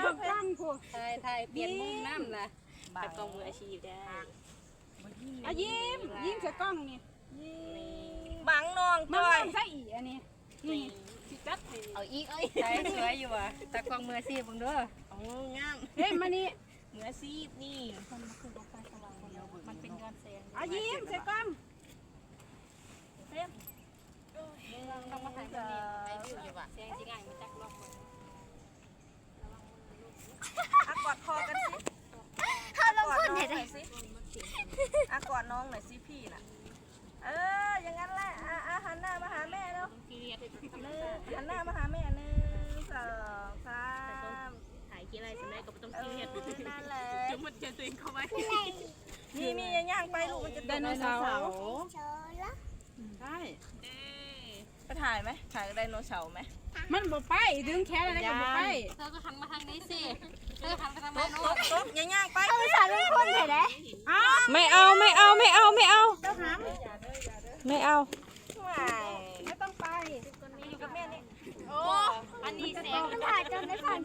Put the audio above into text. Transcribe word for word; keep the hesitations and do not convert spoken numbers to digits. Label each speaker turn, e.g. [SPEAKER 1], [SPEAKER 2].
[SPEAKER 1] องกล้องผู้
[SPEAKER 2] ไทยไทยเปลี่ยนมุมน้ำล่ะตากล้องมืออาชีพได้
[SPEAKER 1] อ่ะยิ้มยิ้มใส่กล้องนี่
[SPEAKER 3] บังน้อง
[SPEAKER 1] มา
[SPEAKER 3] จ้อย
[SPEAKER 1] ใส่อีอันนี้นี่สิจัดให้
[SPEAKER 2] เอาอีกเอ้ยไทยสวยอยู่อ่ะตากล้องมืออาชีพเบิ่งเด้อ
[SPEAKER 3] โอ้งาม
[SPEAKER 1] เฮ้ยมานี่
[SPEAKER 3] เหมือซีบนี่
[SPEAKER 2] มันเป็นย้อนแสง
[SPEAKER 1] อ่ะยิ้มใส่กล้อง
[SPEAKER 2] ต้องมาถ่ายตรงนี้ไอ้วิวอยู่ว่ะแสงสิง่ายมาจักรอบมือ
[SPEAKER 3] อ่ะกอดคอกันสิ
[SPEAKER 4] เขาลงทุน
[SPEAKER 3] ห
[SPEAKER 4] เห็
[SPEAKER 3] น่
[SPEAKER 4] น
[SPEAKER 3] อยสิอ่ะกอดน้องหน่อยสิพี่น่ะเอออย่างนั้นแหละอ่ะอ่ะหันหน้ามาหาแม่เนาะ
[SPEAKER 2] ทีเรียน
[SPEAKER 3] หนึ่งหันหน้ามาหาแม่หนึ่งสองสาม
[SPEAKER 2] ถ่ายกี่ไรสมัยก็ไม่ต้อง
[SPEAKER 3] เอ
[SPEAKER 2] ซี
[SPEAKER 3] อ
[SPEAKER 2] เรียส
[SPEAKER 3] นั่นแหละ
[SPEAKER 2] จุ่มมันเจอตัวเองเข้าไป
[SPEAKER 3] มีมีย่างไปลูกมันจะ
[SPEAKER 1] ไดโนเสาร์
[SPEAKER 4] โชว์ละ
[SPEAKER 1] ใช่
[SPEAKER 3] ไปถ่ายไหมถ่ายไดโนเสาร์ไหม
[SPEAKER 1] มันบ่ไปดึงแขนอะไรก็บ่ไป
[SPEAKER 2] เธอก็หันมาทางนี้สิเธอหันไปทาง
[SPEAKER 3] ต
[SPEAKER 2] โน้
[SPEAKER 3] บ
[SPEAKER 2] น
[SPEAKER 3] ตบตบย่างไป
[SPEAKER 4] เขาสอนลงทุนเห็นไหม
[SPEAKER 1] อ้าว
[SPEAKER 5] ไม่เอาไม่เอาไม่เอาไม่เอา
[SPEAKER 1] เจ้าหาม
[SPEAKER 5] ไม่เอา
[SPEAKER 3] ไม่
[SPEAKER 1] ไม่ต้องไป
[SPEAKER 3] อยู่กับแม่นี่
[SPEAKER 2] โอ้อันนี้แสง
[SPEAKER 4] มันถ่ายจนได้ฝัน